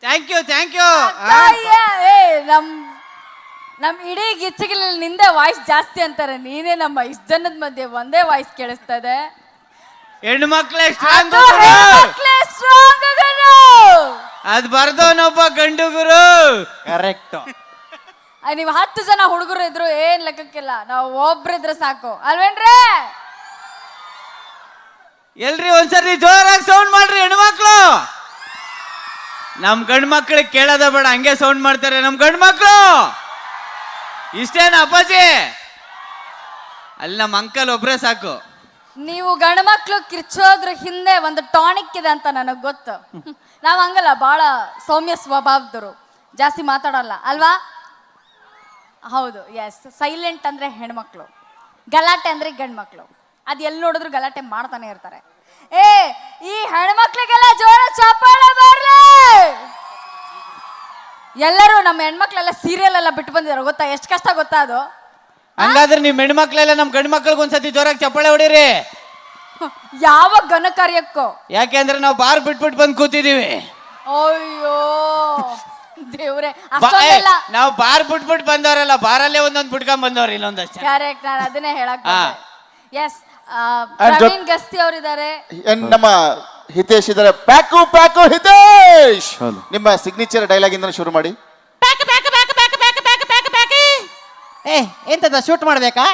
Thank you thank you. ನಮ್ ಇಡೀ ಗಿಚ್ಚಗಿಲ್ಲಿ ನಿಂದೆ ವಾಯ್ಸ್ ಜಾಸ್ತಿ ಅಂತಾರೆ. ನೀನೇ ನಮ್ಮ ಇಷ್ಟ ಜನದ ಮಧ್ಯೆ ಒಂದೇ ವಾಯ್ಸ್ ಕೇಳಿಸ್ತಾ ಇದೆ. ಹೆಣ್ಣು ಮಕ್ಳೇ ಸ್ಟ್ರಾಂಗ್, ಅದ್ ಬರ್ದವನೊಬ್ಬ ಗಂಡು ಗುರು. ಕರೆಕ್ಟ್. ನೀವ್ 10 ಜನ ಹುಡುಗರು ಇದ್ರು ಏನ್ ಲೆಕ್ಕಕ್ಕಿಲ್ಲ, ನಾವು ಒಬ್ರಿದ್ರೆ ಸಾಕು ಅಲ್ವೇನ್ರಿ? ಎಲ್ರಿ ಒಂದ್ಸರಿ ಜೋರಾಗಿ ಸೌಂಡ್ ಮಾಡ್ರಿ ಹೆಣ್ಮಕ್ಳು. ನಮ್ ಗಂಡ್ ಮಕ್ಳಿಗೆ ಕೇಳೋದ ಬೇಡ, ಹಂಗೆ ಸೌಂಡ್ ಮಾಡ್ತಾರೆ ನಮ್ ಗಂಡ್ ಮಕ್ಳು. ಇಷ್ಟೇನ ಅಪ್ಪಾಜಿ? ಅಲ್ಲಿ ನಮ್ಮ ಅಂಕಲ್ ಒಬ್ರೇ ಸಾಕು. ನೀವು ಗಂಡ್ಮಕ್ಳು ಕಿರ್ಚೋದ್ರ ಹಿಂದೆ ಒಂದು ಟಾನಿಕ್ ಇದೆ ಅಂತ ನನಗ್ ಗೊತ್ತು. ನಾವ್ ಹಂಗಲ್ಲ, ಬಹಳ ಸೌಮ್ಯ ಸ್ವಭಾವದವರು, ಜಾಸ್ತಿ ಮಾತಾಡಲ್ಲ ಅಲ್ವಾ? ಹೌದು, ಎಸ್. ಸೈಲೆಂಟ್ ಅಂದ್ರೆ ಹೆಣ್ಮಕ್ಳು, ಗಲಾಟೆ ಅಂದ್ರೆ ಗಂಡ್ಮಕ್ಳು. ಅದ್ ಎಲ್ಲಿ ನೋಡಿದ್ರು ಗಲಾಟೆ ಮಾಡ್ತಾನೆ ಇರ್ತಾರೆ. ಈ ಹೆಣ್ಮಕ್ಳಿಗೆಲ್ಲ ಜೋರ ಚಪ್ಪಾಳೆ ಬರ್ಲಿ. ಎಲ್ಲರೂ ನಮ್ಮ ಹೆಣ್ಮಕ್ಳೆಲ್ಲ ಸೀರಿಯಲ್ ಎಲ್ಲ ಬಿಟ್ಟು ಬಂದಿದ್ದಾರೆ ಗೊತ್ತಾ? ಎಷ್ಟು ಕಷ್ಟ ಗೊತ್ತಾ ಅದು? ಹಂಗಾದ್ರೆ ನಿಮ್ ಹೆಣ್ಮಕ್ಳೆಲ್ಲ ನಮ್ ಗಂಡ್ ಮಕ್ಳಿಗೆ ಒಂದ್ಸತಿ ಜೋರಾಗಿ ಚಪ್ಪಾಳೆ ಹೊಡೀರಿ. ಯಾವ ಘನ ಕಾರ್ಯಕ್ಕೋ? ಯಾಕೆಂದ್ರೆ ನಾವು ಬಾರ್ ಬಿಟ್ಬಿಟ್ಟು ಬಂದು ಕೂತಿದೀವಿ. ಅಯ್ಯೋ ದೇವ್ರೆ, ಅಷ್ಟೊಂದೆಲ್ಲ ನಾವು ಬಾರ್ ಬಿಟ್ಬಿಟ್ಟು ಬಂದವರಲ್ಲ, ಬಾರಲ್ಲೇ ಒಂದೊಂದು ಬಿಟ್ಕೊಂಡ್ ಬಂದವ್ರು ಇಲ್ಲೊಂದಷ್ಟು. ಕರೆಕ್ಟ್, ನಾನು ಅದನ್ನೇ ಹೇಳಕ್ ಎಸ್. ಪ್ರವೀಣ್ ಗಸ್ತಿ ಅವರಿದ್ದಾರೆ, ನಮ್ಮ ಹಿತೇಶ್ ಇದ್ದಾರೆ. ಪ್ಯಾಕು ಪ್ಯಾಕು ಹಿತೇಶ್, ನಿಮ್ಮ ಸಿಗ್ನೇಚರ್ ಡೈಲಾಗ್ ಇಂದ ಶುರು ಮಾಡಿ. ಎಂತದ ಶೂಟ್ ಮಾಡ್ಬೇಕಾ?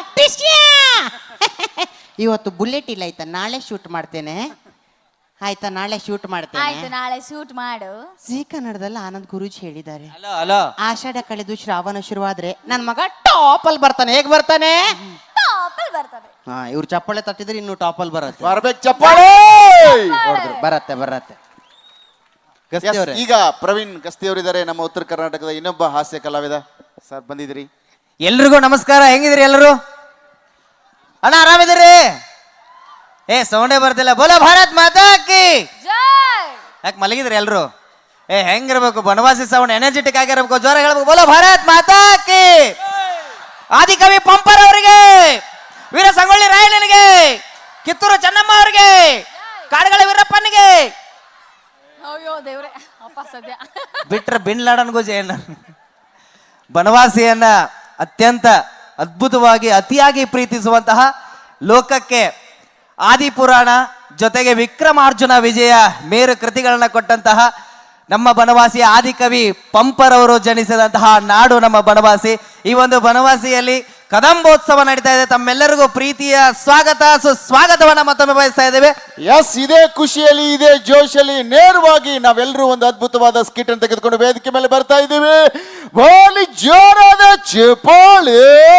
ಇವತ್ತು ಬುಲೆಟ್ ಇಲ್ಲ ಆಯ್ತಾ, ನಾಳೆ ಶೂಟ್ ಮಾಡ್ತೇನೆ ಆಯ್ತಾ, ನಾಳೆ ಶೂಟ್ ಮಾಡ್ತೇನೆ. ಆಯ್ತು, ನಾಳೆ ಶೂಟ್ ಮಾಡು. ಜೀ ಕನ್ನಡದಲ್ಲಿ ಆನಂದ್ ಗುರೂಜಿ ಹೇಳಿದ್ದಾರೆ, ಹಲೋ ಆಷಾಢ ಕಳೆದು ಶ್ರಾವಣ ಶುರುವಾದ್ರೆ ನನ್ ಮಗ ಟಾಪ್ ಅಲ್ಲಿ ಬರ್ತಾನೆ. ಹೇಗ್ ಬರ್ತಾನೆ? ಹಾ, ಇವ್ರು ಚಪ್ಪಾಳೆ ತಟ್ಟಿದ್ರೆ ಇನ್ನು ಟಾಪ್ ಅಲ್ಲಿ ಬರತ್ತೆ. ಬರ್ಬೇಕು ಚಪ್ಪಾಳೆ. ಬರತ್ತೆ ಬರತ್ತೆ. ಗಸ್ತಿ ಅವ್ರೆ, ಈಗ ಪ್ರವೀಣ್ ಗಸ್ತಿ ಅವರಿದ್ದಾರೆ, ನಮ್ಮ ಉತ್ತರ ಕರ್ನಾಟಕದ ಇನ್ನೊಬ್ಬ ಹಾಸ್ಯ ಕಲಾವಿದ. ಸರ್ ಬಂದಿದ್ರಿ. ಎಲ್ರಿಗೂ ನಮಸ್ಕಾರ. ಹೆಂಗಿದ್ರಿ ಎಲ್ಲರೂ? ಅಣ್ಣ ಆರಾಮಿದ್ದೀರಿ? ಸೌಂಡೇ ಬರ್ತಿಲ್ಲ. ಬೋಲೋ ಭಾರತ್ ಮಾತಾ ಕಿ ಜೈ. ಯಾಕೆ ಮಲಗಿದ್ರಿ ಎಲ್ರು? ಹೆಂಗಿರ್ಬೇಕು? ಬನವಾಸಿ ಸೌಂಡ್ ಎನರ್ಜೆಟಿಕ್ ಆಗಿರ್ಬೇಕು, ಜೋರ ಹೇಳ್ಬೇಕು. ಬೋಲೋ ಭಾರತ್ ಮಾತಾ ಕಿ. ಆದಿಕವಿ ಪಂಪರ್ ಅವರಿಗೆ, ವೀರ ಸಂಗೊಳ್ಳಿ ರಾಯಣ್ಣನಿಗೆ, ಕಿತ್ತೂರು ಚೆನ್ನಮ್ಮ ಅವರಿಗೆ, ಕಾಡುಗಳ ವೀರಪ್ಪನಿಗೆ, ಅಯ್ಯೋ ದೇವ್ರೆ ಅಪ್ಪ ಸದ್ಯ ಬಿಟ್ರೆ ಬಿನ್ ಲಾಡನ್ ಗೋಜೆಯನ್ನ, ಬನವಾಸಿಯನ್ನ ಅತ್ಯಂತ ಅದ್ಭುತವಾಗಿ ಅತಿಯಾಗಿ ಪ್ರೀತಿಸುವಂತಹ, ಲೋಕಕ್ಕೆ ಆದಿಪುರಾಣ ಜೊತೆಗೆ ವಿಕ್ರಮಾರ್ಜುನ ವಿಜಯ ಮೇರು ಕೃತಿಗಳನ್ನ ಕೊಟ್ಟಂತಹ ನಮ್ಮ ಬನವಾಸಿಯ ಆದಿಕವಿ ಪಂಪರವರು ಜನಿಸಿದಂತಹ ನಾಡು ನಮ್ಮ ಬನವಾಸಿ. ಈ ಒಂದು ಬನವಾಸಿಯಲ್ಲಿ ಕದಂಬೋತ್ಸವ ನಡೀತಾ ಇದೆ. ತಮ್ಮೆಲ್ಲರಿಗೂ ಪ್ರೀತಿಯ ಸ್ವಾಗತ, ಸುಸ್ವಾಗತವನ್ನ ಮತ್ತೊಮ್ಮೆ ಬಯಸ್ತಾ ಇದ್ದೇವೆ. ಎಸ್, ಇದೇ ಖುಷಿಯಲ್ಲಿ, ಇದೇ ಜೋಶಲ್ಲಿ ನೇರವಾಗಿ ನಾವೆಲ್ಲರೂ ಒಂದು ಅದ್ಭುತವಾದ ಸ್ಕಿಟ್ ಅನ್ನು ತೆಗೆದುಕೊಂಡು ವೇದಿಕೆ ಮೇಲೆ ಬರ್ತಾ ಇದ್ದೀವಿ. ಬಾಲಿ ಜೋರಾದ ಚಪ್ಪಾಳೆ.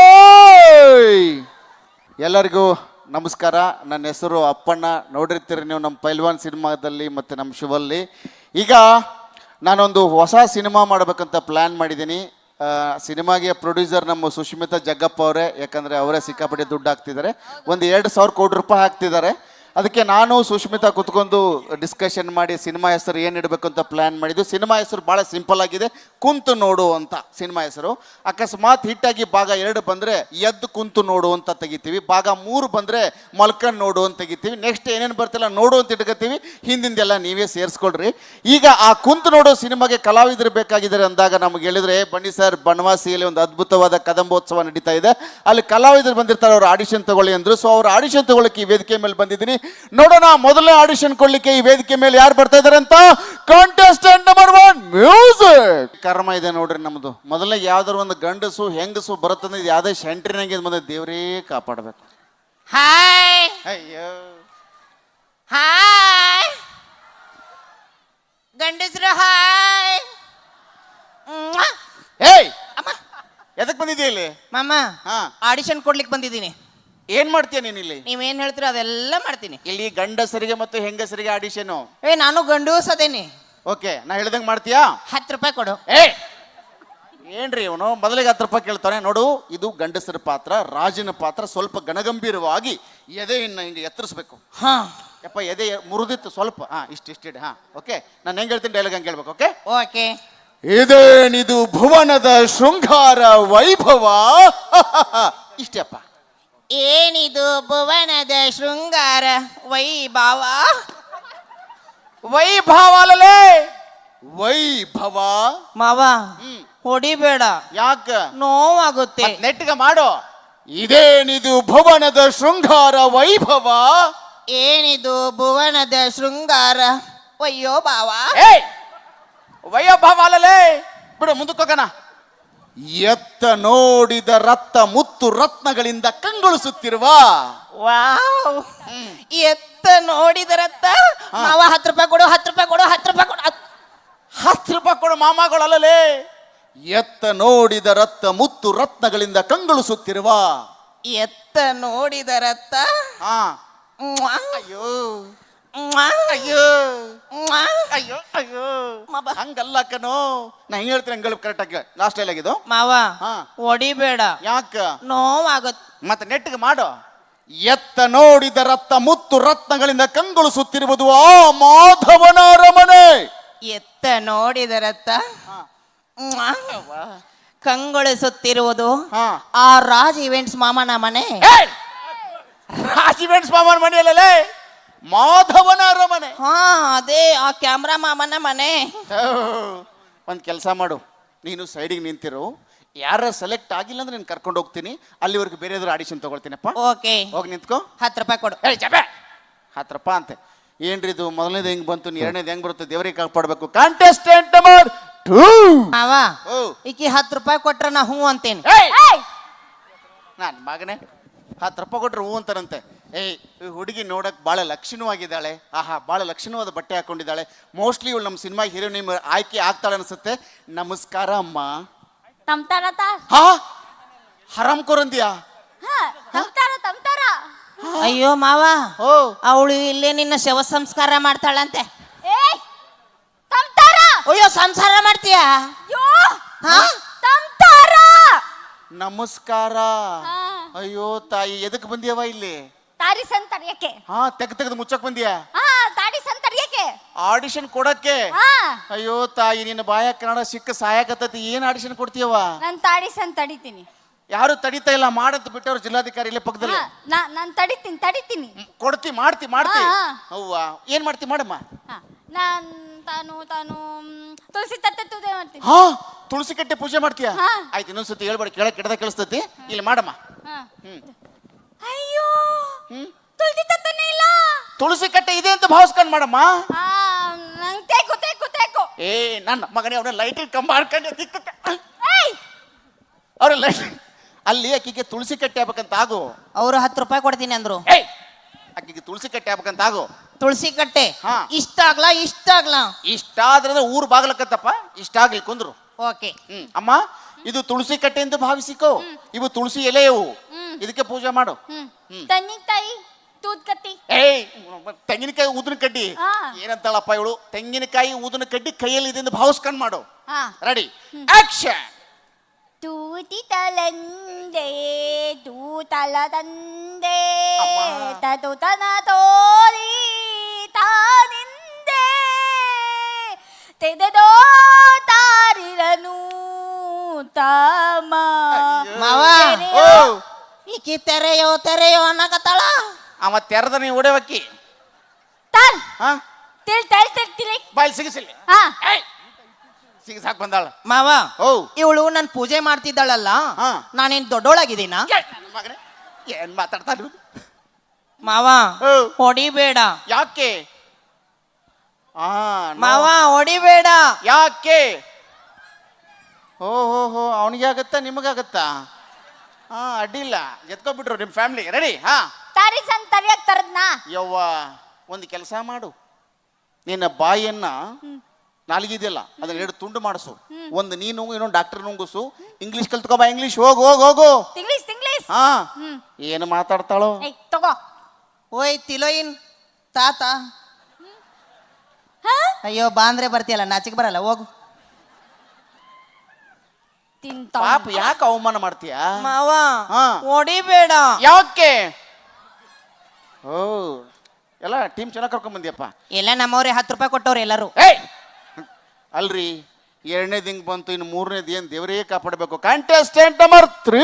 ಎಲ್ಲರಿಗೂ ನಮಸ್ಕಾರ. ನನ್ನ ಹೆಸರು ಅಪ್ಪಣ್ಣ. ನೋಡಿರ್ತೀರಿ ನೀವು ನಮ್ಮ ಪೈಲ್ವಾನ್ ಸಿನಿಮಾದಲ್ಲಿ ಮತ್ತು ನಮ್ಮ ಶುಭಲ್ಲಿ. ಈಗ ನಾನೊಂದು ಹೊಸ ಸಿನಿಮಾ ಮಾಡಬೇಕಂತ ಪ್ಲ್ಯಾನ್ ಮಾಡಿದ್ದೀನಿ. ಸಿನಿಮಾಗೆ ಪ್ರೊಡ್ಯೂಸರ್ ನಮ್ಮ ಸುಷ್ಮಿತಾ ಜಗ್ಗಪ್ಪ ಅವರೇ, ಯಾಕಂದರೆ ಅವರೇ ಸಿಕ್ಕಾಪಟ್ಟೆ ದುಡ್ಡು ಹಾಕ್ತಿದ್ದಾರೆ. ಒಂದು 2,000 ಕೋಟಿ ರೂಪಾಯಿ ಹಾಕ್ತಿದ್ದಾರೆ. ಅದಕ್ಕೆ ನಾನು ಸುಷ್ಮಿತಾ ಕುತ್ಕೊಂಡು ಡಿಸ್ಕಷನ್ ಮಾಡಿ ಸಿನಿಮಾ ಹೆಸರು ಏನು ಇಡಬೇಕು ಅಂತ ಪ್ಲ್ಯಾನ್ ಮಾಡಿದ್ವಿ. ಸಿನಿಮಾ ಹೆಸರು ಭಾಳ ಸಿಂಪಲ್ ಆಗಿದೆ, ಕುಂತು ನೋಡು ಅಂತ ಸಿನಿಮಾ ಹೆಸರು. ಅಕಸ್ಮಾತ್ ಹಿಟ್ಟಾಗಿ ಭಾಗ 2 ಬಂದರೆ ಎದ್ದು ಕುಂತು ನೋಡು ಅಂತ ತೆಗಿತೀವಿ, ಭಾಗ 3 ಬಂದರೆ ಮಲ್ಕೊಂಡು ನೋಡು ಅಂತ ತೆಗಿತೀವಿ. ನೆಕ್ಸ್ಟ್ ಏನೇನು ಬರ್ತಿಲ್ಲ ನೋಡು ಅಂತ ಇಟ್ಕೋತೀವಿ. ಹಿಂದಿಂದೆಲ್ಲ ನೀವೇ ಸೇರಿಸ್ಕೊಳ್ರಿ. ಈಗ ಆ ಕುಂತು ನೋಡು ಸಿನಿಮಾಗೆ ಕಲಾವಿದರು ಬೇಕಾಗಿದ್ದಾರೆ ಅಂದಾಗ ನಮ್ಗೆ ಹೇಳಿದ್ರೆ, ಬನ್ನಿ ಸರ್, ಬನವಾಸಿಯಲ್ಲಿ ಒಂದು ಅದ್ಭುತವಾದ ಕದಂಬೋತ್ಸವ ನಡೀತಾ ಇದೆ, ಅಲ್ಲಿ ಕಲಾವಿದರು ಬಂದಿರ್ತಾರೆ, ಅವ್ರು ಆಡಿಷನ್ ತಗೊಳ್ಳಿ ಅಂದರು. ಸೊ ಅವ್ರು ಆಡಿಷನ್ ತಗೊಳ್ಳೋಕೆ ಈ ವೇದಿಕೆ ಮೇಲೆ ಬಂದಿದ್ದೀನಿ. ನೋಡೋಣ ಮೊದಲನೇ ಆಡಿಷನ್ ಕೊಡ್ಲಿಕ್ಕೆ ಈ ವೇದಿಕೆ ಮೇಲೆ ಯಾರು ಬರ್ತಾ ಇದಾರೆ ಅಂತ. Contestant number 1 music. ಕರ್ಮ ಇದೆ ನೋಡ್ರಿ ನಮ್ದು. ಮೊದಲನೇ ಯಾವ್ದಾರು ಒಂದು ಗಂಡಸು ಹೆಂಗಸು ಬರುತ್ತಂದ್ರೆ ಇದು ಯಾವ್ದೇ ಸೆಂಟ್ರಿನಾಗೆ ಬಂದ ದೇವರೇ ಕಾಪಾಡಬೇಕು. ಹಾಯ್ ಅಯ್ಯೋ ಹಾಯ್ ಗಂಡಸ್ರು ಹಾಯ್. ಏಯ್ ಎದಕ್ ಬಂದಿದ್ದೀಯ ಇಲ್ಲಿ? ಮಾಮ, ಹಾ, ಆಡಿಷನ್ ಕೊಡ್ಲಿಕ್ಕೆ ಬಂದಿದ್ದೀನಿ. ಏನ್ ಮಾಡ್ತೀಯ ನೀನ್ ಇಲ್ಲಿ? ನೀವೇನ್ ಹೇಳ್ತೀರೋ ಅದೆಲ್ಲ ಮಾಡ್ತೀನಿ. ಇಲ್ಲಿ ಗಂಡಸರಿಗೆ ಮತ್ತು ಹೆಂಗಸರಿಗೆ ಆಡಿಷನ್. ನಾನು ಗಂಡು ಸದೇನಿ. ಓಕೆ, ನಾ ಹೇಳ್ದಂಗೆ ಮಾಡ್ತೀಯಾ? 10 ರೂಪಾಯಿ ಕೊಡು. ಏನ್ರಿ ಇವನು ಮೊದಲಿಗೆ 10 ರೂಪಾಯಿ ಕೇಳ್ತಾನೆ. ನೋಡು, ಇದು ಗಂಡಸರ ಪಾತ್ರ, ರಾಜನ ಪಾತ್ರ. ಸ್ವಲ್ಪ ಗಣಗಂಭೀರವಾಗಿ ಎದೆಯನ್ನು ಹಿಂಗೆ ಎತ್ತರಿಸ್ಬೇಕು. ಹಾ ಯಪ್ಪ, ಎದೆ ಮುರಿದಿತ್ತು ಸ್ವಲ್ಪ. ಇಷ್ಟಿಡಿ. ಓಕೆ, ನಾನು ಹೆಂಗೆ ಹೇಳ್ತೀನಿ ಡೈಲಾಗ್ ಹಂಗೆ ಹೇಳ್ಬೇಕು. Okay okay. ಇದೇನಿದು ಭುವನದ ಶೃಂಗಾರ ವೈಭವ. ಇಷ್ಟಪ್ಪ. ಏನಿದು ಭುವನದ ಶೃಂಗಾರ ವೈಭವ. ವೈಭವ ಅಲ್ಲಲೇ, ವೈಭವ. ಮಾವ ಹ್ಮ್. ಹೊಡಿಬೇಡ, ಯಾಕ ನೋವಾಗುತ್ತೆ. ನೆಟ್ಟಿಗೆ ಮಾಡು. ಇದೇನಿದು ಭುವನದ ಶೃಂಗಾರ ವೈಭವ. ಏನಿದು ಭುವನದ ಶೃಂಗಾರ ಅಯ್ಯೋ ಬಾವ. ಏಯ್ ವೈಭವ ಅಲ್ಲಲೇ ಬಿಡು, ಮುಂದಕ್ಕೆ ಹೋಗೋಣ. ಎತ್ತ ನೋಡಿದ ರಕ್ತ ಮುತ್ತು ರತ್ನಗಳಿಂದ ಕಂಗೊಳಿಸುತ್ತಿರುವ ವಾವ್, ಎತ್ತ ನೋಡಿದರತ್ತ ಮಾವ 10 ರೂಪಾಯಿ ಕೊಡು, 10 ರೂಪಾಯಿ ಕೊಡು, 10 ರೂಪಾಯಿ ಕೊಡು. 10 ರೂಪಾಯಿ ಕೊಡು ಮಾಮಗಳಲ್ಲಲೇ. ಎತ್ತ ನೋಡಿದ ರಕ್ತ ಮುತ್ತು ರತ್ನಗಳಿಂದ ಕಂಗೊಳಿಸುತ್ತಿರುವ ಎತ್ತ ನೋಡಿದರತ್ತ ಹಾ ಮ್ವಾ, ಅಯ್ಯೋ ಮ್ವಾ, ಅಯ್ಯೋ ಮ್ವಾ. ಅಯ್ಯೋ ಅಯ್ಯೋ ಹಂಗಲ್ಲ ಕಣೋ, ನಾ ಹಿಂಗ್ ಹೇಳ್ತೀನಿ ಹಂಗ ಕರೆಕ್ಟ್ ಆಗಿ. ಲಾಸ್ಟ್ ಟೈಲ್ ಆಗಿದ್ದು ಮಾವ ಹಾ. ಹೊಡಿಬೇಡ, ಯಾಕ ನೋವಾಗುತ್ತೆ. ಮತ್ತೆ ನೆಟ್ಟಿಗೆ ಮಾಡು. ಎತ್ತ ನೋಡಿದ ರಕ್ತ ಮುತ್ತು ರತ್ನಗಳಿಂದ ಕಂಗೊಳಿಸುತ್ತಿರುವುದು ಆ ಮಾಧವನ ಅರಮನೆ. ಎತ್ತ ನೋಡಿದರತ್ತ ಮ್ವಾ, ಕಂಗೊಳಿಸುತ್ತಿರುವುದು ಹಾ. ಆ ರಾಜ್ ಇವೆಂಟ್ಸ್ ಮಾಮನ ಮನೆ. ರಾಜಿವೆಂಟ್ಸ್ ಮಾಮನ ಮನೆಯಲ್ಲೇ ಮಾಧವನ ಅರಮನೆ. ಹಾ, ಅದೇ ಆ ಕ್ಯಾಮ್ರಾ ಮಾಮನ ಮನೆ. ಒಂದು ಕೆಲಸ ಮಾಡು, ನೀನು ಸೈಡಿಗೆ ನಿಂತಿರು. ಯಾರ ಸೆಲೆಕ್ಟ್ ಆಗಿಲ್ಲ ಅಂದ್ರೆ ನೀನು ಕರ್ಕೊಂಡು ಹೋಗ್ತೀನಿ. ಅಲ್ಲಿವರೆಗೂ ಬೇರೆ ಏನಾದ್ರು ಆಡಿಷನ್ ತಗೊಳ್ತೀನಪ್ಪ. ಓಕೆ, ಹೋಗಿ ನಿಂತ್ಕೋ. 10 ರೂಪಾಯಿ ಕೊಡು. ಏಯ್ ಜಬೆ 10 ರೂಪಾಯಿ ಅಂತೆ. ಏನ್ರಿ ಇದು? ಮೊದಲನೇದು ಹೆಂಗ್ ಬಂತು, ಎರಡನೇದು ಹೆಂಗ್ ಬರುತ್ತೆ? ದೇವರಿಗೆ ಕಾಪಾಡಬೇಕು. Contestant number 2. ಮಾವ, ಓ ಈಕಿ 10 ರೂಪಾಯಿ ಕೊಟ್ರ ನಾ ಹ್ಞೂ ಅಂತೇನೆ. ಏಯ್ ನಾನು ಮಗನೇ 10 ರೂಪಾಯಿ ಕೊಟ್ರೆ ಹೂ ಅಂತಾರಂತೆ. ಏಯ್ ಈ ಹುಡುಗಿ ನೋಡಕ್ ಭಾಳ ಲಕ್ಷಣವಾಗಿದ್ದಾಳೆ. ಆಹಾ, ಭಾಳ ಲಕ್ಷಣವಾದ ಬಟ್ಟೆ ಹಾಕೊಂಡಿದ್ದಾಳೆ. ಮೋಸ್ಟ್ಲಿ ಇವಳು ನಮ್ಮ ಸಿನಿಮಾ ಹೀರೋಯಿನ್ ಆಯ್ಕೆ ಆಗ್ತಾಳೆ ಅನ್ಸುತ್ತೆ. ನಮಸ್ಕಾರ ಅಮ್ಮ. ತಮ್ತಾರ ಹಾ, ಹರಾಮ್ ಕೊರಂದಿಯಾ? ತಮ್ತಾರ ಅಯ್ಯೋ ಮಾವ, ಓ ಅವಳು ಇಲ್ಲೇ ನಿನ್ನ ಶವ ಸಂಸ್ಕಾರ ಮಾಡ್ತಾಳಂತೆ. ಏಯ್ ತಮ್ತಾರ ಅಯ್ಯೋ, ಸಂಸಾರ ಮಾಡ್ತೀಯಾ? ಯೋ ಹಾ? ತಮ್ತಾರ ನಮಸ್ಕಾರ. ಹಾ. ಅಯ್ಯೋ ತಾಯಿ, ಎದಕ್ ಬಂದಿಯವ ಇಲ್ಲಿ? ತಾರಿ ಸಂತರ್ಯಕ್ಕೆ. ಹಾ, ತೆಗೆದು ಮುಚ್ಚಕ್ ಬಂದಿಯಾ? ಹಾ, ತಾಡಿ ಸಂತರ್ಯಕ್ಕೆ. ಆಡಿಷನ್ ಕೊಡಕ್ಕೆ? ಹಾ, ಅಯ್ಯೋ ತಾಯಿ, ನಿನ್ನ ಬಾಯ ಕನ್ನಡ ಸಿಕ್ಕ ಸಹಾಯಕತ್ತೈತಿ. ಏನ್ ಆಡಿಷನ್ ಕೊಡ್ತೀಯವ? ನಾನ್ ತಾಡಿ ತಡಿತೀನಿ. ಯಾರು ತಡಿತಾ ಇಲ್ಲ, ಮಾಡಂತ ಬಿಟ್ಟವ್ರು ಜಿಲ್ಲಾಧಿಕಾರಿ ಇಲ್ಲೇ ಪಕ್ಕದಲ್ಲಿ. ನಾನ್ ತಡಿತೀನಿ. ಕೊಡ್ತಿ, ಮಾಡ್ತಿ. ಹಾ. ಅವ್ವ ಏನ್ ಮಾಡ್ತಿ? ಮಾಡಮ್ಮ. ಹಾ, ನಾನ್ ತಾನು ತುಳಸಿ ತತ್ತೆ ತೂದೆ ಮಾಡ್ತೀನಿ. ಹಾ, ತುಳಸಿ ಕಟ್ಟೆ ಪೂಜೆ ಮಾಡ್ತೀಯಾ? ಹಾ. ಆಯ್ತು, ಇನ್ನೊಂದ್ಸತಿ ಹೇಳ್ಬೇಡ, ಕೆಳಗೆ ಕೆಡದ ಕೇಳಿಸ್ತೈತಿ. ಇಲ್ಲಿ ಮಾಡಮ್ಮ. ಹಾ. ಹ್ಮ್. ಅಯ್ಯೋ, ಹ್ಮ್. ತುಳಸಿ ತತ್ತನೇ ಇಲ್ಲ. ತುಳಸಿ ಕಟ್ಟೆ ಇದೆ ಅಂತ ಭಾವಿಸ್ಕೊಂಡ್ ಮಾಡಮ್ಮ. ಆ, ನಂಗ್ ತೇಕು. ಏ ನನ್ನ ಮಗನೇ, ಅವನ ಲೈಟಿಂಗ್ ಕಂಬ ಹಾಡ್ಕೊಂಡು ಏಯ್ ಅವ್ರ ಲೈಟ್ ಅಲ್ಲಿ ಆಕಿಗೆ ತುಳಸಿ ಕಟ್ಟೆ ಆಗ್ಬೇಕಂತ ಆಗು. ಅವರು 10 ರೂಪಾಯಿ ಕೊಡ್ತೀನಿ ಅಂದ್ರು. ಏಯ್ ಆಕಿಗೆ ತುಳಸಿ ಕಟ್ಟೆ ಆಗ್ಬೇಕಂತ ಆಗು. ತುಳಸಿ ಕಟ್ಟೆ ಹಾ. ಇಷ್ಟ ಆಗ್ಲಾ. ಇಷ್ಟ ಆದ್ರೆ ಊರು ಬಾಗ್ಲಕ್ಕತ್ತಪ್ಪ. ಇಷ್ಟ ಆಗ್ಲಿ ಕುಂದ್ರು. ಓಕೆ. ಅಮ್ಮ, ಇದು ತುಳಸಿ ಕಟ್ಟೆ ಎಂದು ಭಾವಿಸಿಕೋ. ಇವು ತುಳಸಿ ಎಲೆಯವು. ಇದಕ್ಕೆ ಪೂಜೆ ಮಾಡು. ತನ್ನಿಕಾಯಿ ತೂತ್ ಕತ್ತಿ. ಏಯ್ ತೆಂಗಿನಕಾಯಿ ಊದಿನ ಕಡ್ಡಿ. ಹಾ. ಏನಂತಾಳಪ್ಪ ಇವಳು? ತೆಂಗಿನಕಾಯಿ ಊದಿನ ಕಡ್ಡಿ ಕೈಯಲ್ಲಿ ಇದೆ ಎಂದು ಭಾವಿಸ್ಕೊಂಡ್ ಮಾಡು. ಹಾ. Ready, action. ತೂತಿ ತಲಂದೆ ತೂತಲ ತಂದೆ ಅಮ್ಮ. ತತು ತನ ತೋರಿ ತಾನಿಂದೆ ತೆದೆದೋ ತಾರಿರನು ತಾಮ ಮಾವ, ಓ ಈಕಿ ತೆರೆಯೋ ಅನ್ನಕತ್ತಾಳ. ಅವ ತೆರೆದ ನೀವು ಹೊಡೆವಕ್ಕಿ. ತಾಲ್ ಹಾ, ತಿಳಿ ಬಾಯ್ ಸಿಗಿಸಿಲ್ಲ. ಹಾ. ಸಿಗಿಸಾಕ್ ಬಂದಾಳ. ಮಾವ, ಓ ಇವಳು ನನ್ ಪೂಜೆ ಮಾಡ್ತಿದ್ದಾಳಲ್ಲ, ಹಾ. ನಾನೇನ್ ದೊಡ್ಡೋಳಾಗಿದ್ದೀನ? ಮಗನೇ ಏನ್ ಮಾತಾಡ್ತಾನ? ಮಾವ, ಓ ಹೊಡಿಬೇಡ. ಯಾಕೆ? ಮಾವ, ಹೊಡಿಬೇಡ. ಯಾಕೆ? ಹೋ ಅವನಿಗೆ ಆಗತ್ತಾ ನಿಮಗಾಗತ್ತಾ? ಹಾ, ಅಡ್ಡಿಲ್ಲ, ಎತ್ಕೊಬಿಟ್ರು ನಿಮ್ ಫ್ಯಾಮಿಲಿ. ರೆಡಿ? ಹಾ. ತಾರಿ ಸಂತರ್ಯಾಗ ತರದ್ನಾ? ಯವ್ವ, ಒಂದು ಕೆಲಸ ಮಾಡು. ನಿನ್ನ ಬಾಯಿಯನ್ನ ನಾಲ್ಗಿದೆಯಲ್ಲ ಅದನ್ನ 2 ತುಂಡು ಮಾಡಿಸು. ಒಂದು ನೀನು, ಇನ್ನೊಂದು ಡಾಕ್ಟರ್ ನುಂಗುಸು. ಇಂಗ್ಲಿಷ್ ಕಲ್ತ್ಕೋ ಬಾ. ಇಂಗ್ಲಿಷ್ ಹೋಗು. ತಿಂಗ್ಳಿಸ್ ಹಾ, ಏನು ಮಾತಾಡ್ತಾಳೋ? ಏಯ್ ತಗೋ. ಓಯ್ ತಿಲೋಯಿನ್ ತಾತ. ಹಾ? ಅಯ್ಯೋ, ಬಾ ಅಂದ್ರೆ ಬರ್ತೀಯಲ್ಲ, ನಾಚಿಕ್ ಬರಲ್ಲ, ಹೋಗು. ತಿಂತ ಪಾಪ ಯಾಕೆ ಅವಮಾನ ಮಾಡ್ತೀಯ? ಮಾವ, ಹಾ. ಹೊಡಿಬೇಡ. ಯಾಕೆ? ಓ ಎಲ್ಲ ಟೀಮ್ ಚೆನ್ನಾಗಿ ಕರ್ಕೊಂಡ್ ಬಂದಿಯಪ್ಪ. ಎಲ್ಲ ನಮ್ಮವ್ರೆ 10 ರೂಪಾಯಿ ಕೊಟ್ಟವ್ರು ಎಲ್ಲರೂ. ಏಯ್ ಅಲ್ರಿ, 2ನೇದು ಹಿಂಗ್ ಬಂತು, ಇನ್ನು 3ನೇದು ಏನ್ ದೇವರೇ ಕಾಪಾಡಬೇಕು. Contestant number 3.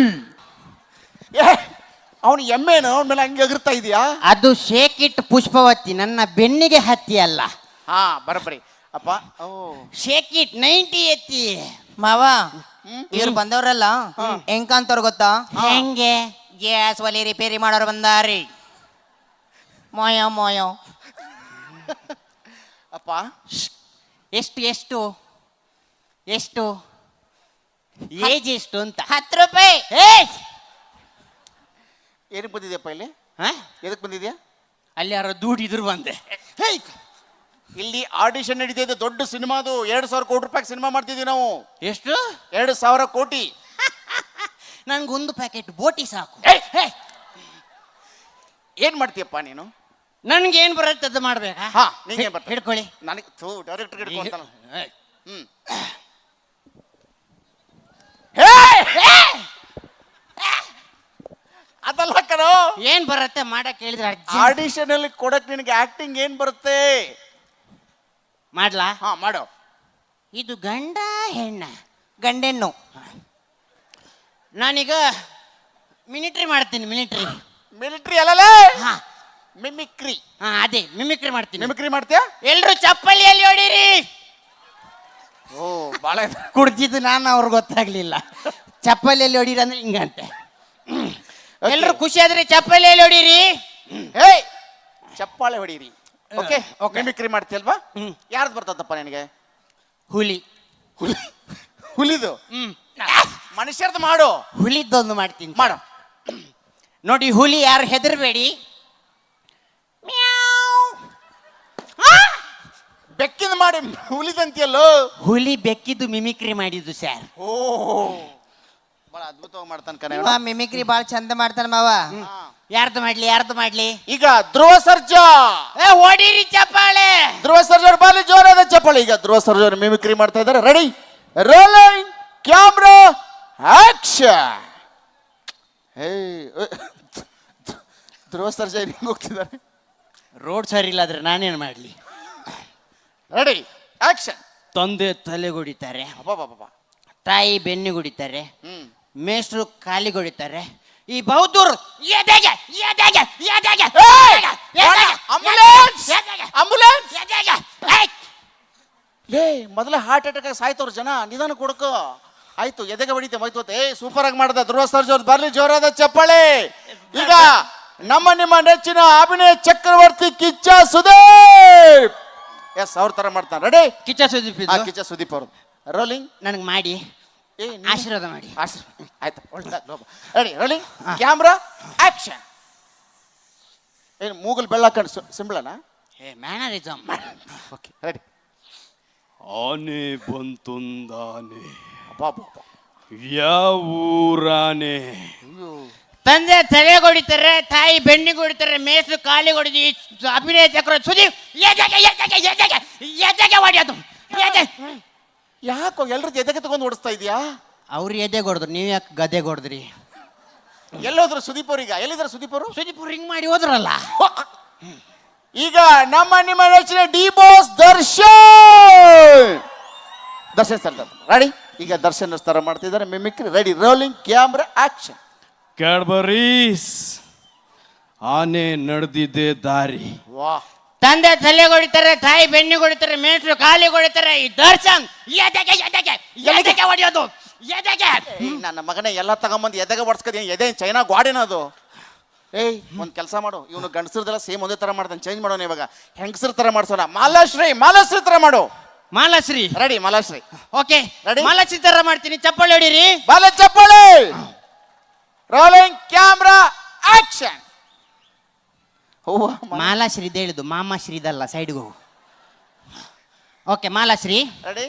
ಅವನು ಎಮ್ಮೆನು ಅವನ ಮೇಲೆ ಹಂಗೆ ಎಗರ್ತಾ ಇದೆಯಾ? ಅದು ಶೇಕಿಟ್ ಪುಷ್ಪವತಿ, ನನ್ನ ಬೆನ್ನಿಗೆ ಹತ್ತಿ ಅಲ್ಲ. ಹಾ, ಬರಬ್ರಿ. ಅಪ್ಪ ಓ ಶೇಕ್ ಇಟ್ 90 ಎತ್ತಿ ಮಾವ ಇವ್ರು ಬಂದವ್ರಲ್ಲ ಹೆಂಗಂತವ್ರು ಗೊತ್ತಾ ಹೆಂಗೆ ಗ್ಯಾಸ್ ಒಲಿ ರಿಪೇರಿ ಮಾಡೋರು ಬಂದಾರಿ ಮೋಯೋ ಮೋಯೋ ಅಪ್ಪ ಎಷ್ಟು ಎಷ್ಟು ಎಷ್ಟು ಏಜ್ ಎಷ್ಟು ಅಂತ 10 ರೂಪಾಯಿ ಏನಕ್ಕೆ ಬಂದಿದ್ಯಪ್ಪ ಇಲ್ಲಿ ಹಾ ಎದಕ್ಕೆ ಬಂದಿದ್ಯಾ ಅಲ್ಲಿ ಯಾರೋ ದುಡಿದ್ರು ಬಂದೆ ಇಲ್ಲಿ ಆಡಿಷನ್ ನಡೀತಿದೆ ದೊಡ್ಡ ಸಿನಿಮಾದು 2,000 ಕೋಟಿ ರೂಪಾಯಿ ಸಿನಿಮಾ ಮಾಡ್ತಿದ್ವಿ ನಾವು ಎಷ್ಟು 2,000 ಕೋಟಿ ನನ್ಗೊಂದು ಪ್ಯಾಕೆಟ್ ಬೋಟಿ ಸಾಕು ಏನ್ ಮಾಡ್ತೀಯಪ್ಪ ನೀನು ನನ್ಗೆ ಏನ್ ಬರುತ್ತೆ ಅದು ಮಾಡ್ಬೇಕಾ ಹಾ ನೀನೇನ್ ಬರ್ತ ಹಿಡ್ಕೊಳ್ಳಿ ನನಗೆ ಡೈರೆಕ್ಟರ್ ಹಿಡ್ಕೊಂತಾನ ಹ್ಮ್ ಅದಲ್ಲ ಕಣೋ ಏನ್ ಬರುತ್ತೆ ಮಾಡಕ್ ಹೇಳಿದ್ರೆ ಆಡಿಷನ್ ಅಲ್ಲಿ ಕೊಡಕ್ ನಿನಗೆ ಆಕ್ಟಿಂಗ್ ಏನ್ ಬರುತ್ತೆ ಮಾಡ್ಲಾ ಹಾ ಮಾಡೋ ಇದು ಗಂಡ ಹೆಣ್ಣ ಗಂಡೆಣ್ಣು ನಾನೀಗ ಮಿಲಿಟ್ರಿ ಮಾಡ್ತೀನಿ ಮಿಲಿಟ್ರಿ ಮಿಲಿಟರಿ ಅಲ್ಲಲೇ ಹಾ ಮಿಮಿಕ್ರಿ ಹಾ ಅದೇ ಮಿಮಿಕ್ರಿ ಮಾಡ್ತೀನಿ ಮಿಮಿಕ್ರಿ ಮಾಡ್ತೀಯಾ ಎಲ್ರು ಚಪ್ಪಲಿಯಲ್ಲಿ ಹೊಡೀರಿ ಓ ಬಾಳ ಕುಡ್ದಿದ್ದು ನಾನು ಅವ್ರಿಗೆ ಗೊತ್ತಾಗ್ಲಿಲ್ಲ ಚಪ್ಪಲಿಯಲ್ಲಿ ಹೊಡೀರಿ ಅಂದ್ರೆ ಹಿಂಗಂತೆ ಎಲ್ರು ಖುಷಿ ಆದ್ರೆ ಚಪ್ಪಲಿಯಲ್ಲಿ ಹೊಡೀರಿ ಹೇ ಚಪ್ಪಾಳೆ ಹೊಡೀರಿ ಓಕೆ ಮಿಮಿಕ್ರಿ ಮಾಡ್ತೀಯಲ್ವಾ ಯಾರ್ದು ಬರ್ತದಪ್ಪ ನಿನಗೆ ಹುಲಿ ಹುಲಿ ಹುಲಿದು ಮನುಷ್ಯರ್ದು ಮಾಡು ಹುಲಿದ್ದೊಂದು ಮಾಡ್ತೀನಿ ಮಾಡು ನೋಡಿ ಹುಲಿ ಯಾರು ಹೆದರ್ಬೇಡಿ ಬೆಕ್ಕಿಂದ ಮಾಡಿ ಹುಲಿದಂತಿಯಲ್ಲೋ ಹುಲಿ ಬೆಕ್ಕಿದ್ದು ಮಿಮಿಕ್ರಿ ಮಾಡಿದ್ದು ಸರ್ ಓ ಬಹಳ ಅದ್ಭುತವಾಗಿ ಮಾಡ್ತಾನೆ ಕಣ ಮಿಮಿಕ್ರಿ ಬಾಳ ಚಂದ ಮಾಡ್ತಾನೆ ಮಾವ ಯಾರ್ದು ಮಾಡ್ಲಿ ಈಗ ಧ್ರುವ ಸರ್ಜಾ ಹೊಡೀರಿ ಚಪ್ಪಾಳೆ ಧ್ರುವ ಸರ್ಜಾ ಬಾಲಿ ಜೋರಾದ ಚಪ್ಪಾಳೆ ಈಗ ಧ್ರುವ ಸರ್ಜಾ ಮಿಮಿಕ್ರಿ ಮಾಡ್ತಾ ಇದ್ದಾರೆ ready rolling camera action hey Dhruva Sarja ಹಿಂಗ್ ಹೋಗ್ತಿದ್ದಾರೆ ರೋಡ್ ಸರಿ ಇಲ್ಲ ಆದ್ರೆ ನಾನೇನ್ ಮಾಡ್ಲಿ ರೆಡಿ ಆಕ್ಷನ್ ತಂದೆ ತಲೆಗೊಡಿತಾರೆ ಅಬ್ಬಬ್ಬಬ್ಬ ತಾಯಿ ಬೆನ್ನಿಗೊಡಿತಾರೆ ಹ್ಮ್ ಮೇಷ್ಟ್ರು ಕಾಲಿಗೊಡಿತಾರೆ ಈ ಬೌದ್ಧರು ಎದೆಗೆ ಎದೆಗೆ ಎದೆಗೆ ಆಂಬುಲೆನ್ಸ್ ಆಂಬುಲೆನ್ಸ್ ಲೇ ಮೊದಲೇ ಹಾರ್ಟ್ ಅಟ್ಯಾಕ್ ಸಾಯ್ತವ್ರ ಜನ ನಿಧಾನ ಕೊಡ್ಕೋ ಆಯ್ತು ಎದೆಗೆ ಹೊಡಿತೆ ಹೋಯ್ತು ಸೂಪರ್ ಆಗಿ ಮಾಡ್ದ ಧ್ರುವ ಸರ್ಜಾ ಬರ್ಲಿ ಜೋರಾದ ಚಪ್ಪಾಳೆ ಈಗ ನಿಮ್ಮ ನೆಚ್ಚಿನ ಅಭಿನಯ ಚಕ್ರವರ್ತಿ ಕಿಚ್ಚ ಸುದೀಪ್ ಎಸ್ ಅವ್ರ ತರ ಮಾಡ್ತಾನೆ ರೆಡಿ ಕಿಚ್ಚ ಸುದೀಪ್ ಕಿಚ್ಚ ಸುದೀಪ್ ಅವರು ರೋಲಿಂಗ್ ನನಗೆ ಮಾಡಿ ಆಶೀರ್ವಾದ ಮಾಡಿ ಆಯ್ತು ರೆಡಿ ರೋಲಿಂಗ್ ಕ್ಯಾಮ್ರಾ ಆಕ್ಷನ್ ಏನು ಮೂಗಲ್ ಬೆಳ್ಳಾಕಂಡು ಸಿಂಬಳನಾ ಮ್ಯಾನರಿಸಮ್ ಓಕೆ ರೆಡಿ ಆನೆ ಬಂತೊಂದಾನೆ ಬಾಬಾ ಯಾವೂರಾನೆ ತಂದೆ ತಲೆಗೊಡಿತಾರೆ ತಾಯಿ ಬೆನ್ನಿಗೊಡಿತಾರೆ ಮೇಸು ಕಾಲಿಗೊಡಿದು ಅಭಿನಯ ಚಕ್ರ ಸುದೀಪ್ ಎದೆಗೆ ಎದೆಗೆ ಎದೆಗೆ ಎದೆಗೆ ಹೊಡೆಯೋದು ಯಾಕೋ ಎಲ್ರದ್ದು ಎದೆಗೆ ತಗೊಂಡು ಓಡಿಸ್ತಾ ಇದೀಯಾ ಅವ್ರು ಎದೆ ಹೊಡೆದ್ರು ನೀವು ಯಾಕೆ ಗದೆ ಹೊಡೆದ್ರಿ ಎಲ್ಲೋದ್ರು ಸುದೀಪ್ ಅವ್ರೀಗ ಎಲ್ಲಿದ್ದಾರೆ ಸುದೀಪ್ ಅವರು ಸುದೀಪ್ ರಿಂಗ್ ಮಾಡಿ ಹೋದ್ರಲ್ಲ ಈಗ ನಿಮ್ಮ ನೆಚ್ಚಿನ D Boss Darshan sir ready ಈಗ ದರ್ಶನ್ ತರ ಮಾಡ್ತಿದ್ದಾರೆ mimicry ready rolling camera action Cadbury's ಆನೆ ನಡೆದಿದೆ ದಾರಿ ವಾಹ್ ತಂದೆ ತಲೆಗೊಡಿತಾರೆ ತಾಯಿ ಬೆನ್ನಿಗೊಡಿತಾರೆ ಮೇಷ್ಟ್ರು ಕಾಲಿಗೊಡಿತಾರೆ ಈ ದರ್ಶನ್ ಎದೆಗೆ ಎದೆಗೆ ಎದೆಗೆ ಹೊಡೆಯೋದು ಎದೆಗೆ ನನ್ನ ಮಗನೇ ಎಲ್ಲ ತಗೊಂಬಂದು ಎದೆಗೆ ಹೊಡ್ಸ್ಕದೀನಿ ಎದೆ ಚೈನಾ ಗ್ವಾಡೇನದು ಏಯ್ ಒಂದ್ ಕೆಲಸ ಮಾಡು ಇವನು ಗಂಡಸರದೆಲ್ಲ ಸೇಮ್ ಒಂದೇ ತರ ಮಾಡ್ತಾನೆ ಚೇಂಜ್ ಮಾಡೋಣ ಇವಾಗ ಹೆಂಗಸರ ತರ ಮಾಡ್ಸೋಣ ಮಾಲಾಶ್ರೀ ತರ ಮಾಡು Malashri ready Malashri okay Ready? Malashri ತರ ಮಾಡ್ತೀನಿ ಚಪ್ಪಾಳೆ ಹೊಡೀರಿ ಬಾಲ ಚಪ್ಪಾಳೆ ರೋಲಿಂಗ್ ಕ್ಯಾಮ್ರಾ ಆಕ್ಷನ್ ಮಾಲಾಶ್ರೀ ಹೇಳಿದ್ದು ಮಾಮಾಶ್ರೀದಲ್ಲ ಸೈಡ್ಗೆ ಹೋಗು ಓಕೆ ಮಾಲಾಶ್ರೀ ರೆಡಿ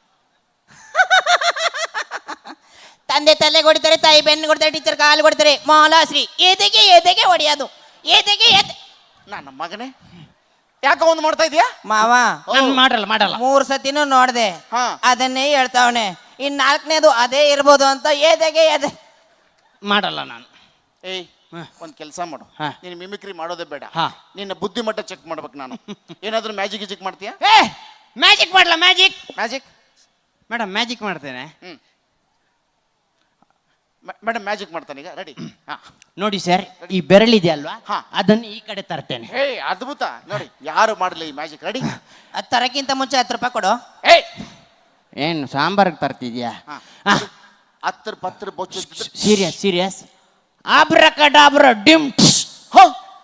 ತಂದೆ ತಲೆ ಕೊಡ್ತಾರೆ ತಾಯಿ ಬೆನ್ನು ಕೊಡ್ತಾರೆ ಟೀಚರ್ ಕಾಲು ಕೊಡ್ತಾರೆ ಮಾಲಾಶ್ರೀ ಎದೆಗೆ ಎದೆಗೆ ಹೊಡೆಯೋದು ಎದೆಗೆ ಎದೆ ನನ್ನ ಮಗನೇ ಯಾಕೆ ಒಂದು ಮಾಡ್ತಾ ಇದೀಯಾ ಮಾವ ನಾನು ಮಾಡಲ್ಲ 3 ಸತಿನೂ ನೋಡ್ದೆ ಹಾ. ಅದನ್ನೇ ಹೇಳ್ತಾವನೆ ಇನ್ 4ನೇದು ಅದೇ ಇರ್ಬೋದು ಅಂತ ಎದೆಗೆ ಎದೆ ಮಾಡಲ್ಲ ನಾನು ಏಯ್ ಒಂದ್ ಕೆಲಸ ಮಾಡು ಹಾ. ನೀನು ಮಿಮಿಕ್ರಿ ಮಾಡೋದೇ ಬೇಡ ಹಾ. ನಿನ್ನ ಬುದ್ಧಿಮಟ್ಟ ಚೆಕ್ ಮಾಡ್ಬೇಕು ನಾನು ಏನಾದ್ರೂ ಮ್ಯಾಜಿಕ್ ಗಿಜಿಕ್ ಮಾಡ್ತೀಯಾ ಏ ಮ್ಯಾಜಿಕ್ ಮಾಡಲ್ಲ ಮ್ಯಾಜಿಕ್ ಮ್ಯಾಜಿಕ್ ಮೇಡಮ್ ಮ್ಯಾಜಿಕ್ ಮಾಡ್ತೇನೆ ಮೇಡಮ್ ಮ್ಯಾಜಿಕ್ ಮಾಡ್ತಾನೆ ಈಗ ರೆಡಿ ಹಾ ನೋಡಿ ಸರ್ ಈ ಬೆರಳಿದೆಯಲ್ವಾ ಹಾ. ಅದನ್ನು ಈ ಕಡೆ ತರ್ತೇನೆ. ಹೇ ಅದ್ಭುತ ನೋಡಿ ಯಾರು ಮಾಡಲಿ ಈ ಮ್ಯಾಜಿಕ್ ರೆಡಿ ಅದು ತರಕ್ಕಿಂತ ಮುಂಚೆ 10 ರೂಪಾಯಿ ಕೊಡು. ಹೇ ಏನು ಸಾಂಬಾರ್ಗೆ ತರ್ತಿದ್ಯಾ? ಹಾ ಹತ್ತರ ಪತ್ರ ಬೊಚ್ಚು ಸೀರಿಯಸ್ ಆಬ್ರಕಡಾಬ್ರ ಡಿಮ್ ಹೋ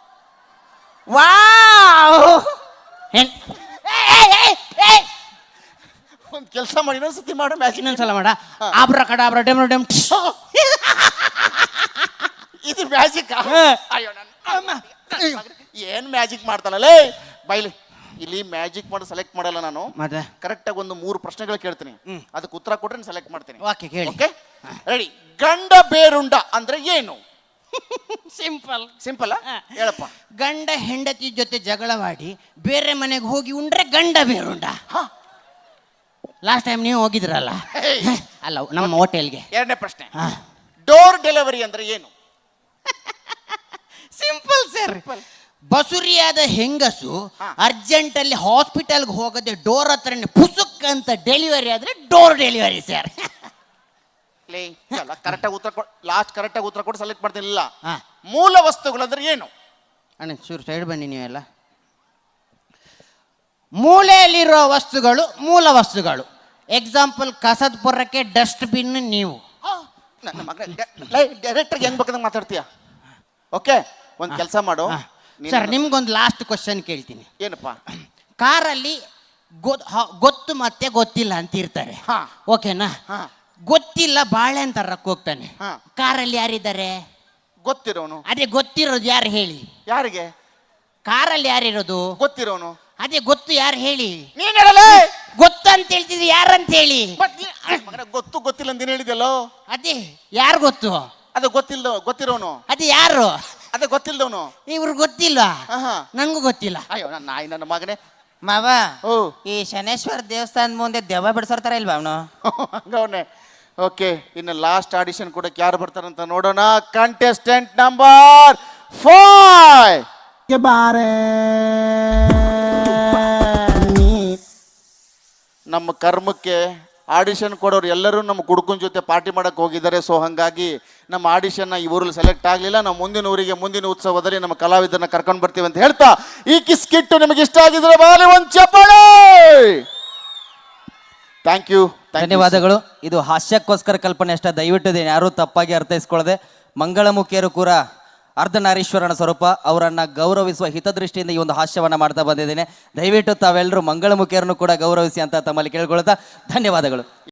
ವಾವ್ ಒಂದು ಕೆಲಸ ಮಾಡಿ ಇನ್ನೊಂದ್ಸತಿ ಮಾಡು ಮ್ಯಾಜಿಕ್ ಇನ್ನೊಂದ್ಸಲ ಮಾಡ ಆಬ್ರಕಡಾಬ್ರ ಡಿಮ್ ಡಿಮ್ ಇದು ಮ್ಯಾಜಿಕ್ ಅಯ್ಯೋ ನನ್ನ ಏನ್ ಮ್ಯಾಜಿಕ್ ಮಾಡ್ತಾನಲ್ಲೇ ಬೈಲಿ ಇಲ್ಲಿ ಮ್ಯಾಜಿಕ್ ಮಾಡಿ ಸೆಲೆಕ್ಟ್ ಮಾಡಲ್ಲ ನಾನು ಮತ್ತೆ ಕರೆಕ್ಟಾಗಿ ಒಂದು 3 ಪ್ರಶ್ನೆಗಳು ಕೇಳ್ತೀನಿ ಅದಕ್ಕೆ ಉತ್ತರ ಕೊಟ್ರೆ ಸೆಲೆಕ್ಟ್ ಮಾಡ್ತೀನಿ ಓಕೆ ಕೇಳಿ. ಓಕೆ ರೆಡಿ ಗಂಡ ಬೇರುಂಡ ಅಂದ್ರೆ ಏನು? ಸಿಂಪಲ್ ಹೇಳಪ್ಪ. ಗಂಡ ಹೆಂಡತಿ ಜೊತೆ ಜಗಳವಾಡಿ ಬೇರೆ ಮನೆಗೆ ಹೋಗಿ ಉಂಡ್ರೆ ಗಂಡ ಬೇರುಂಡ. ಲಾಸ್ಟ್ ಟೈಮ್ ನೀವು ಹೋಗಿದ್ರಲ್ಲ ಅಲ್ಲ ನಮ್ಮ ಹೋಟೆಲ್ಗೆ. ಎರಡನೇ ಪ್ರಶ್ನೆ ಡೋರ್ ಡೆಲಿವರಿ ಅಂದ್ರೆ ಏನು? Simple sir. ಬಸುರಿಯಾದ ಹೆಂಗಸು ಅರ್ಜೆಂಟ್ ಅಲ್ಲಿ ಹಾಸ್ಪಿಟಲ್ಗೆ ಹೋಗದೆ ಡೋರ್ ಹತ್ರನೇ ಪುಸುಕ್ ಅಂತ ಡೆಲಿವರಿ ಆದ್ರೆ ಡೋರ್ ಡೆಲಿವರಿ ಸರ್. ಕರೆಕ್ಟಾಗಿ ಉತ್ತರ ಲಾಸ್ಟ್ ಕರೆಕ್ಟಾಗಿ ಉತ್ತರ ಕೊಟ್ಟು ಸೆಲೆಕ್ಟ್ ಮಾಡ್ತಿಲ್ಲ. ಹಾ. ಮೂಲ ವಸ್ತುಗಳು ಅಂದ್ರೆ ಏನು? ಅಣ್ಣ ಚೂರು ಸೈಡ್ ಬನ್ನಿ ನೀವೆಲ್ಲ. ಮೂಲೆಯಲ್ಲಿರೋ ವಸ್ತುಗಳು ಮೂಲ ವಸ್ತುಗಳು. ಎಕ್ಸಾಂಪಲ್ ಕಸದ ಪೊರಕ್ಕೆ ಡಸ್ಟ್ಬಿನ್ ನೀವು. ನನ್ನ ಮಗ ಡೈರೆಕ್ಟರ್ ಹೆಂಗ್ ಬೇಕಂದ್ರೆ ಮಾತಾಡ್ತೀಯ. ಓಕೆ ಒಂದು ಕೆಲಸ ಮಾಡು ಸರ್ ನಿಮ್ಗೊಂದು ಲಾಸ್ಟ್ ಕ್ವಶನ್ ಕೇಳ್ತೀನಿ. ಏನಪ್ಪ? ಕಾರಲ್ಲಿ ಗೊತ್ತು ಮತ್ತೆ ಗೊತ್ತಿಲ್ಲ ಅಂತ ಇರ್ತಾರೆ. ಹಾ. ಓಕೆನಾ? ಹಾ. ಗೊತ್ತಿಲ್ಲ ಬಾಳೆಹಣ್ಣು ತರಕ್ಕೆ ಹೋಗ್ತಾನೆ. ಹಾ. ಕಾರಲ್ಲಿ ಯಾರಿದ್ದಾರೆ? ಗೊತ್ತಿರೋನು. ಅದೇ ಗೊತ್ತಿರೋದು ಯಾರು ಹೇಳಿ? ಯಾರಿಗೆ ಕಾರಲ್ಲಿ ಯಾರಿರೋದು? ಗೊತ್ತಿರೋನು. ಅದೇ ಗೊತ್ತು ಯಾರು ಹೇಳಿ? ನೀನ್ ಹೇಳಲೇ ಗೊತ್ತು ಅಂತ ಹೇಳ್ತಿದ್ರಿ ಯಾರಂತ ಹೇಳಿ? ಗೊತ್ತು ಗೊತ್ತಿಲ್ಲ ಅಂತ ಹೇಳಿದೆಲ್ಲೋ. ಅದೇ ಯಾರು ಗೊತ್ತು? ಅದು ಗೊತ್ತಿರೋನು. ಅದೇ ಯಾರು? ಅದೇ ಗೊತ್ತಿಲ್ದವನು. ಇವ್ರು ಗೊತ್ತಿಲ್ವಾ? ಆಹಾ. ನಂಗೂ ಗೊತ್ತಿಲ್ಲ. ಅಯ್ಯೋ ನನ್ನ ನಾಯಿ ನನ್ನ ಮಗನೇ. ಮಾವ ಓ ಈ ಶನೇಶ್ವರ ದೇವಸ್ಥಾನದ ಮುಂದೆ ದೆವ್ವ ಬಿಡ್ಸೋರ್ತಾರ ಇಲ್ವಾ ಅವನು? ಹಂಗವನೇ. ಓಕೆ ಇನ್ನು ಲಾಸ್ಟ್ ಆಡಿಷನ್ ಕೊಡಕ್ಕೆ ಯಾರು ಬರ್ತಾರಂತ ನೋಡೋಣ. ಕಂಟೆಸ್ಟೆಂಟ್ ನಂಬರ್ 5 ನಮ್ಮ ಕರ್ಮಕ್ಕೆ ಆಡಿಷನ್ ಕೊಡೋರು ಎಲ್ಲರೂ ನಮ್ಮ ಕುಡುಕನ ಜೊತೆ ಪಾರ್ಟಿ ಮಾಡಕ್ಕೆ ಹೋಗಿದ್ದಾರೆ. ಸೊ ಹಾಗಾಗಿ ನಮ್ಮ ಆಡಿಷನ್ನ ಈ ಊರಲ್ಲಿ ಸೆಲೆಕ್ಟ್ ಆಗಲಿಲ್ಲ. ನಾವು ಮುಂದಿನ ಊರಿಗೆ ಮುಂದಿನ ಉತ್ಸವದಲ್ಲಿ ನಮ್ಮ ಕಲಾವಿದರನ್ನ ಕರ್ಕೊಂಡು ಬರ್ತೀವಿ ಅಂತ ಹೇಳ್ತಾ ಈ ಕಿಸ್ಕಿಟ್ಟು ನಿಮಗೆ ಇಷ್ಟ ಆಗಿದ್ರೆ ಬಾಲಿ ಒಂದು ಚಪ್ಪಾಳೆ. Thank you. ಧನ್ಯವಾದಗಳು. ಇದು ಹಾಸ್ಯಕ್ಕೋಸ್ಕರ ಕಲ್ಪನೆ ಅಷ್ಟೇ, ದಯವಿಟ್ಟು ಇದನ್ನು ಯಾರೂ ತಪ್ಪಾಗಿ ಅರ್ಥೈಸ್ಕೊಳ್ಳದೆ ಮಂಗಳಮುಖಿಯರು ಕೂಡ ಅರ್ಧನಾರೀಶ್ವರನ ಸ್ವರೂಪ ಅವರನ್ನು ಗೌರವಿಸುವ ಹಿತದೃಷ್ಟಿಯಿಂದ ಈ ಒಂದು ಹಾಸ್ಯವನ್ನು ಮಾಡ್ತಾ ಬಂದಿದ್ದೇನೆ. ದಯವಿಟ್ಟು ತಾವೆಲ್ಲರೂ ಮಂಗಳಮುಖಿಯರನ್ನು ಕೂಡ ಗೌರವಿಸಿ ಅಂತ ತಮ್ಮಲ್ಲಿ ಕೇಳ್ಕೊಳ್ತಾ ಧನ್ಯವಾದಗಳು.